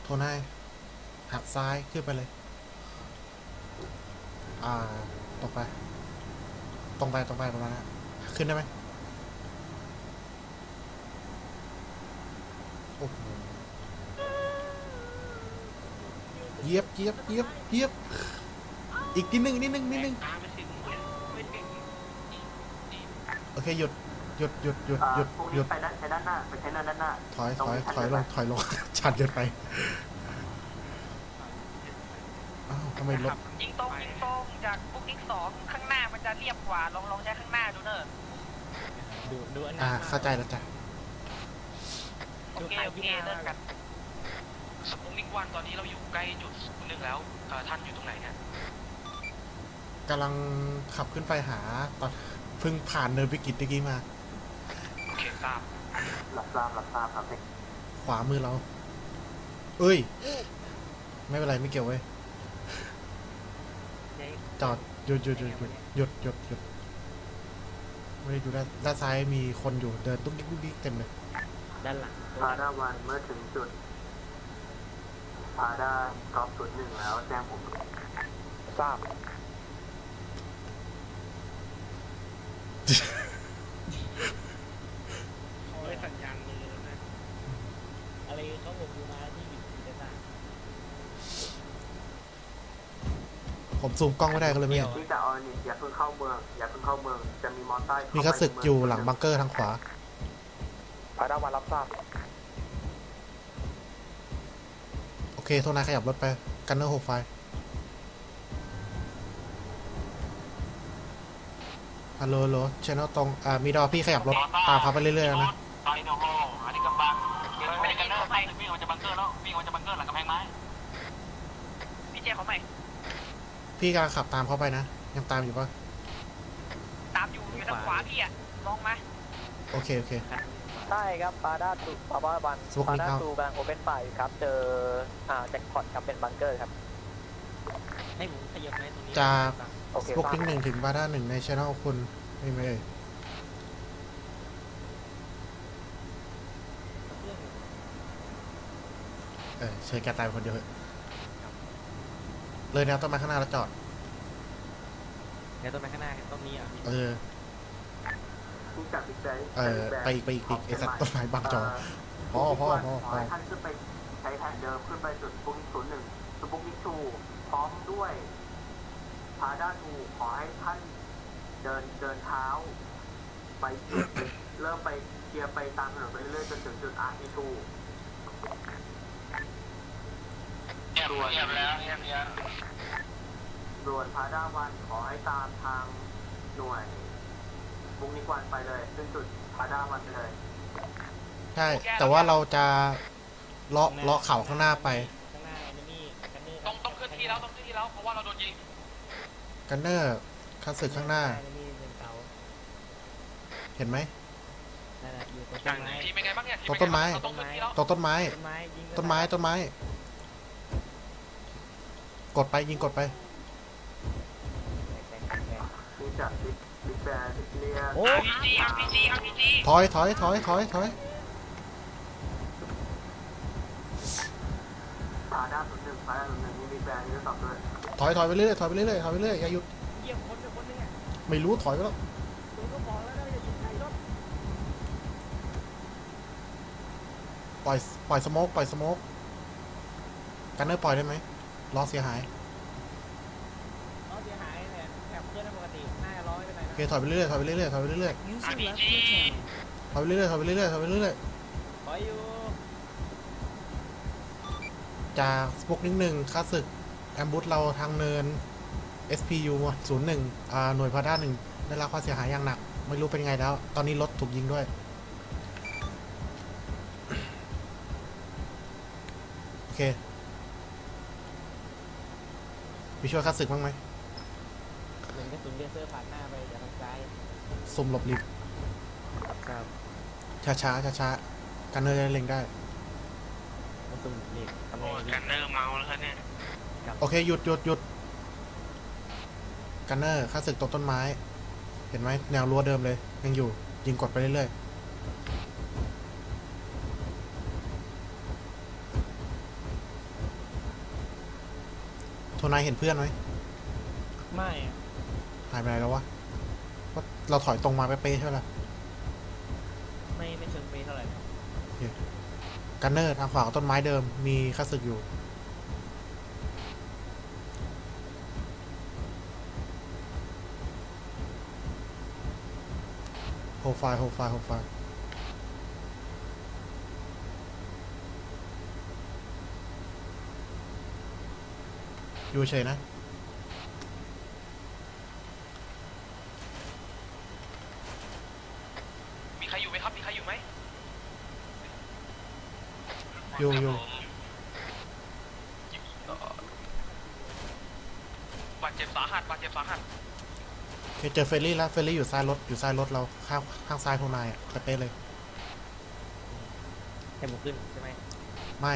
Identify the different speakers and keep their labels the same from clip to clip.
Speaker 1: โทนายหักซ้ายขึ้นไปเลยตรงไปตรงไปประมาณนั้นขึ้นได้ไหมโอ้โหเยียบอีกนิดนึงโอเคหยุด
Speaker 2: พวกนี้ไปด้านใช้ด้านหน้าไปใช้ด้านหน้า
Speaker 1: ถอยลงชันเกินไปอ้าวทำไมรถ
Speaker 3: ยิงตรงจากปุ๊กนิก2ข้างหน้ามันจะเรียบกว่าลองใช้ข้างหน้าดูเนอะ
Speaker 4: ดูอัน
Speaker 1: นั้นเข้าใจแล้วจ้ะ
Speaker 3: โอเคเลิกกันสปุ๊กนิก1ตอนนี้เราอยู่ใกล้จุด1แล้วท่านอยู่ตรงไหนเนี่ย
Speaker 1: กำลังขับขึ้นไปหาตอนเพิ่งผ่านเนินวิกฤตเมื่อกี้มา
Speaker 3: โอเคทราบ
Speaker 2: รับทราบครับ
Speaker 1: ขวามือเราเอ้ยไม่เป็นไรไม่เกี่ยวเว้ยจอดหยุดไม่ได้ดูด้านซ้ายมีคนอยู่เดินตุ๊กดิ๊กเต็มเลย
Speaker 4: ด้านหลัง
Speaker 2: พาด้าวันเมื่อถึงจุดพาด้ากอล์ฟจุด1แล้วแจ้งผมทราบ
Speaker 4: เขาได้สัญญาณมือนะอะไรเขาบอกดูมาที่บิดจะได้
Speaker 1: ผมซูมกล้องไม่ได้ก็เลยไม่เห็น
Speaker 2: ที่จะออนิอย่าเพิ่งเข้าเมืองจะมีมอเตอร์ไซค์
Speaker 1: มีข้าศึกอยู่หลังบังเกอร์ทางขวา
Speaker 2: พาด้าวันรับทราบ
Speaker 1: โอเคโทนายขยับรถไปกันเนอร์6 ไฟฮัลโหลเชนอลตรงมีดอพี่ขยับรถตามพาไปเรื่อยๆนะ
Speaker 3: ตอนนี้โอ้โหอันนี้กำบังไม่ได้กันเนอร์วิ่งออกจากบังเกอร์แล้ววิ่งออกจากบังเกอร์หลังกำแพงไม้พี่เจ้เขาไหม
Speaker 1: พี่กำลังขับตามเขาไปนะยังตามอยู่ปะ
Speaker 3: ตามอยู่ทางขวาพี่ลองมา
Speaker 1: โอเค
Speaker 2: ใช่ครับปาด้าตูปาด้าวันปาด้าตูกำลังโอเปนไฟครับเจอแจ็คพอตครับเป็นบังเกอร์ครับ
Speaker 4: ให้ผมขยับไหมตรงนี้
Speaker 1: จากพวกทิ้ง1ถึงบาด้า1ในช่องคุณไม่เชิญแกตายคนเดียวเลยแนวต้นไม้ข้างหน้าแล้วจอด
Speaker 4: แนวต้นไม้ข้างหน้าต้นนี้
Speaker 1: ไปอีกไอ้สัตว์ต้นไม้บางจอพ่อ
Speaker 2: ท่านขึ้นไปใช้แผนเดิมขึ้นไปจุดปุ๊กนิก01จุดปุ๊กนิก2พร้อมด้วยพาด้าทูขอให้ท่านเดินเท้าไปจุดเริ่มไปเคลียร์ไปตามถนนไปเรื่อยๆจนถึงจุดRT2ส่วนพาด้าวันขอให้ตามทางหน่วยปุ๊กนิก1ไปเลยซึ่งจุดพาด้าวันไปเลย
Speaker 1: ใช่แต่ว่าเราจะเลาะเขาข้างหน้าไป
Speaker 3: ต้องขึ้นที่แล้วเพราะว่าเราโดนยิง
Speaker 1: กันเนอร์ข้าศึกข้างหน้าเห็นไหม
Speaker 3: ทีเป็นไงบ้างเนี่ย
Speaker 1: ต้นไม้กดไปยิงกดไป
Speaker 3: RPG
Speaker 1: ถอย
Speaker 2: พาด้า01พาด้า01มีบิ๊กแบนนี่ตอบด้วย
Speaker 1: ถอยไปเรื่อยอย่าหยุด
Speaker 4: เยี่ยมคนนึง
Speaker 1: ไม่รู้ถอยไปแล้วปล่อยสโมกกันเนอร์ปล่อยได้ไหมล้อเสียหาย
Speaker 4: เนี่ยแถบเพื่อนปกติหน้าร้อยไปไหน
Speaker 1: โอเคถอยไปเรื่อย
Speaker 3: ถอยอยู่
Speaker 1: จากพวก1ค่าศึกแอมบูสเราทางเนิน SPU 01หน่วยพาด้า1ได้รับความเสียหายอย่างหนักไม่รู้เป็นไงแล้วตอนนี้รถถูกยิงด้วยโอเคมีช่วยค่าศึกบ้างไหม
Speaker 4: หนึ่งกระสุนเลเซอร์ผ่านหน้าไปจากทางซ้าย
Speaker 1: ซุ่มหลบหลีกช้ากันเนอร์จะเล็งได้
Speaker 4: ซุ่มหลีก
Speaker 3: กันเนอร์เมาแล้วครับเนี่ย
Speaker 1: โอเคหยุดกันเนอร์ค่าศึกตกต้นไม้เห็นไหมแนวรั้วเดิมเลยยังอยู่ยิงกดไปเรื่อยโทนายเห็นเพื่อนไหม
Speaker 4: ไม่อะ
Speaker 1: หายไปไหนแล้ววะว่าเราถอยตรงมาเป๊ะๆใช่ไหมล่ะ
Speaker 4: ไม่เชิงเปเท่าไหร่นะ
Speaker 1: กันเนอร์ทางขวาของต้นไม้เดิมมีข้าศึกอยู่โฮไฟล์อยู่เฉยนะ
Speaker 3: มีใครอยู่ไหมครับมีใครอยู่ไหม
Speaker 1: อยู่
Speaker 3: บาดเจ็บสาหัสบาดเจ็บสาหัส
Speaker 1: โอเคเจอเฟรลี่แล้วเฟรลี่อยู่ซ้ายรถเราข้างซ้ายโทนายอ่ะเป๊ะๆเลย
Speaker 4: แต่ผมขึ้นใช่ไหม
Speaker 1: ไม่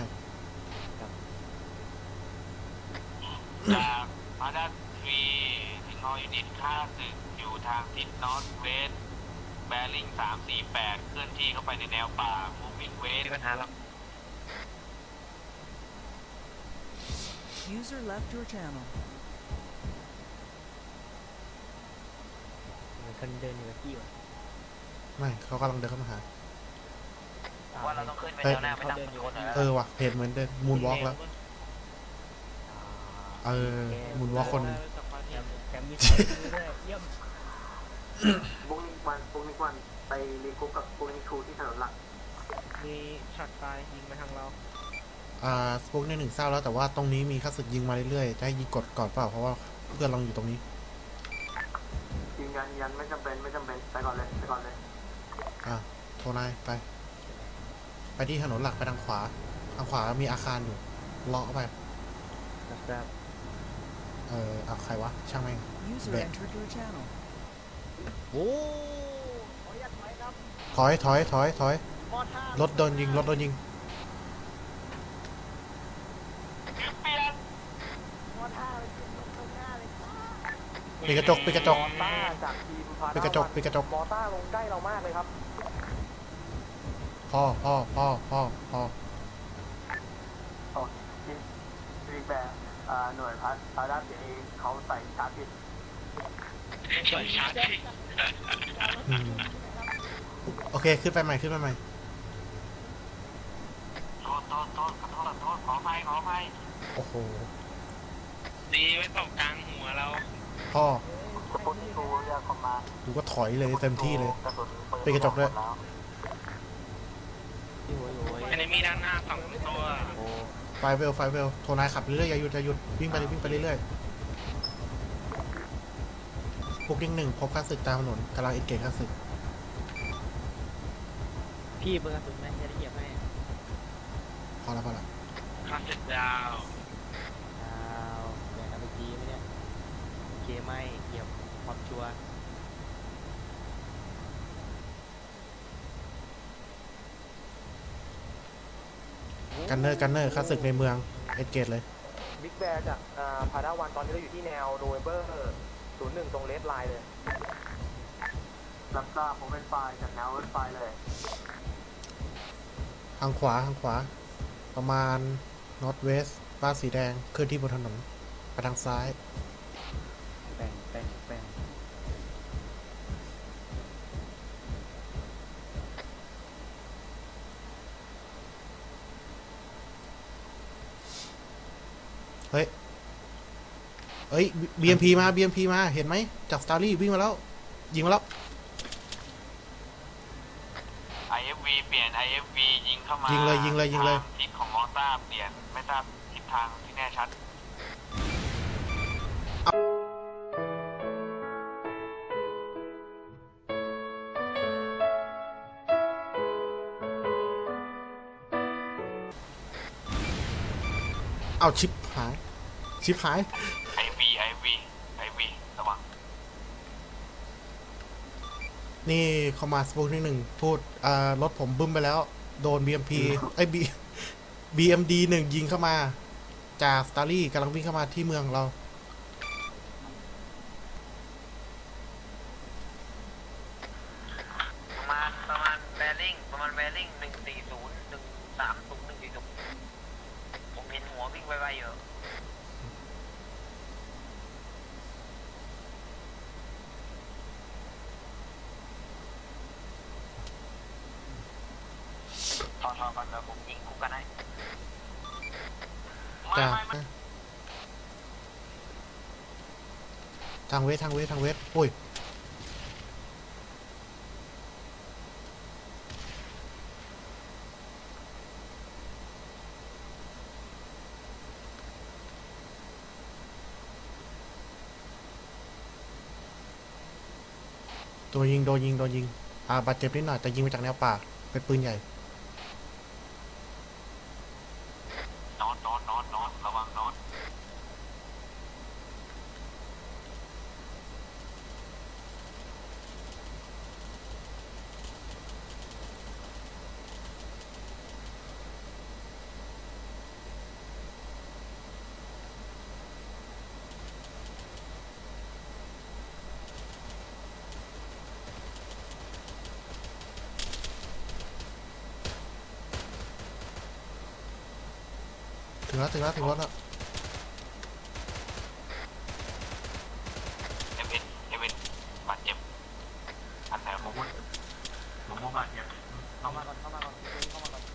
Speaker 5: จากพาดัสทรีสิงห์ยูนิตค่าศึกอยู่ทางทิศนอร์ทเวสต์แบริ่ง348เคลื่อนที่เข้าไปในแนวป่า moving
Speaker 3: มี
Speaker 5: west
Speaker 3: ปัญหาแล้ว
Speaker 6: User left your channel.
Speaker 4: เหมือนคนเดินอยู่กับที่ว่ะ
Speaker 1: ไม่เขากำลังเดินเข้ามาหา
Speaker 3: ว่าเราต้องขึ้นไป
Speaker 1: เอ้ย
Speaker 3: แถวหน้าไม่ตั้งคนนะ
Speaker 1: ว่ะเห็นเหมือนเดินมูนวอล์กแล้วมูนวอล์กคน
Speaker 4: แถมมีสายมือด้วยเยี่ยม
Speaker 2: บุ๊กนิกวันไปรีกรุ๊ปกับบุ๊กนิกทูที่ถนนหลัก
Speaker 4: มีช็อตไฟยิงมาทางเรา
Speaker 1: สปุกในหนึ่งเศร้าแล้วแต่ว่าตรงนี้มีข้าศึกยิงมาเรื่อยๆจะให้ยิงกดก่อนเปล่าเพราะว่าเพื่อนเราอยู่ตรงนี้
Speaker 2: ยืนยันไม่จำเป็นไปก่อนเลย
Speaker 1: โทนายไปที่ถนนหลักไปทางขวามีอาคารอยู่เลาะเข้าไป
Speaker 4: ครับ
Speaker 1: ใครวะช่างแม่ง
Speaker 6: User
Speaker 1: Bet.
Speaker 6: entered your channel.
Speaker 4: โอ้
Speaker 1: ถอยรถโดนยิงปิดกระจก
Speaker 2: มอต้าจากทีมพา
Speaker 1: ปิดกระจก
Speaker 2: มอต้าลงใกล้เรามากเลยครับ
Speaker 1: พ่อ
Speaker 2: ทีมแบบหน่วยพาด้าเสียเองเขาใส่ชาร์จผิด
Speaker 3: ใส่ชาร์จที่
Speaker 1: อืมโอเคขึ้นไปใหม่
Speaker 5: โทษขออภัย
Speaker 1: โอ้โห
Speaker 3: ดีไว้ตกกลางหัวเรา
Speaker 1: พ่อ
Speaker 2: บุ๊กนิกทูเรียกคอมมานด์
Speaker 1: กูก็ถอยเลยเต็มที่เลย
Speaker 2: กระสุนปืน
Speaker 1: ปิดกระจกด้วย
Speaker 4: ที่หัวอยู่
Speaker 3: อันนี้มีด้านหน้าสองตัว
Speaker 1: ไฟเวลโทนายขับเรื่อยๆอย่าหยุดวิ่งไปเรื่อยๆพวกดิ้งหนึ่งพบข้าศึกตามถนนกำลังเอ็นเกจข้าศึก
Speaker 4: พี่เบอร์กระสุนไหมจะได้เหยียบให้
Speaker 1: พอละ
Speaker 3: คลาสสิกดาว
Speaker 4: ดาวแดงเอาไปจีไหมเนี่ยโอเคไม่เหยียบความชัวร์
Speaker 1: กันเนอร์ข้าศึกในเมืองเอ็นเกจเลย
Speaker 2: บิ๊กแบร์จากพาด้าวันตอนนี้เราอยู่ที่แนวโนเวมเบอร์01ตรงเลสไลน์เลยรับทราบผมเป็นไฟล์จากแนวเวสไฟล์เลย
Speaker 1: ทางขวาประมาณนอร์ทเวสบ้านสีแดงเคลื่อนที่บนถนนไปทางซ้าย
Speaker 4: แป้ง
Speaker 1: เฮ้ย BMP มาเห็นไหมจากสตาร์ลี่วิ่งมาแล้วยิงมาแล้ว
Speaker 5: IFV เปลี่ยน IFV ยิงเข้ามา
Speaker 1: ยิ
Speaker 5: ยิ
Speaker 1: งเลย
Speaker 5: ทิศของมอต้าเปลี่ยนไม่ทราบทิศทางที่แน่ชัด
Speaker 1: เอาชิปหาย
Speaker 5: IFV ระวัง
Speaker 1: นี่เข้ามาสปูนิกหนึ่งพูดรถผมบึ้มไปแล้ว โดน BMP BMD หนึ่งยิงเข้ามาจากสตาร์ลี่กำลังวิ่งเข้ามาที่เมืองเรา
Speaker 3: ประมาณแบริ่ง140 130 140ผมเห็นหัววิ่งไวๆอยู่
Speaker 5: ก่อนเดี๋ยวผมยิงคุกกันให้
Speaker 1: จ้า
Speaker 5: ไม่
Speaker 1: ทางเวททางเวททางเวทโอ้ยโดนยิงโดนยิงโดนยิงบาดเจ็บนิดหน่อยแต่ยิงมาจากแนวป่าเป็นปืนใหญ่
Speaker 5: นอนระวังนอน
Speaker 1: ถึงแล้วถึงแล้วถึงรถแล้ว
Speaker 5: เอเวนบาดเจ็บอันไหนผมว่าบาดเจ็บ
Speaker 4: เข้ามาก่อนเข้ามาก่อนเข้ามาก่อน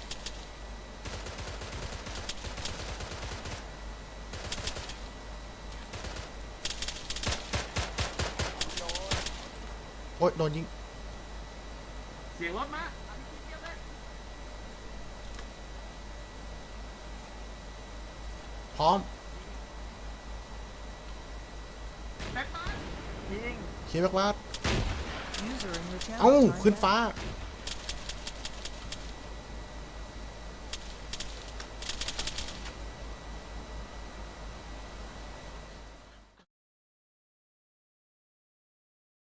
Speaker 1: โอ๊ยโดนยิง
Speaker 4: เสียงรถมา
Speaker 1: พร้อม
Speaker 4: ยิง
Speaker 1: เคลียร์แบ็กลาด
Speaker 6: User in your channel
Speaker 1: เอ้า
Speaker 6: timed
Speaker 1: ขึ้น
Speaker 6: out.
Speaker 1: ฟ้า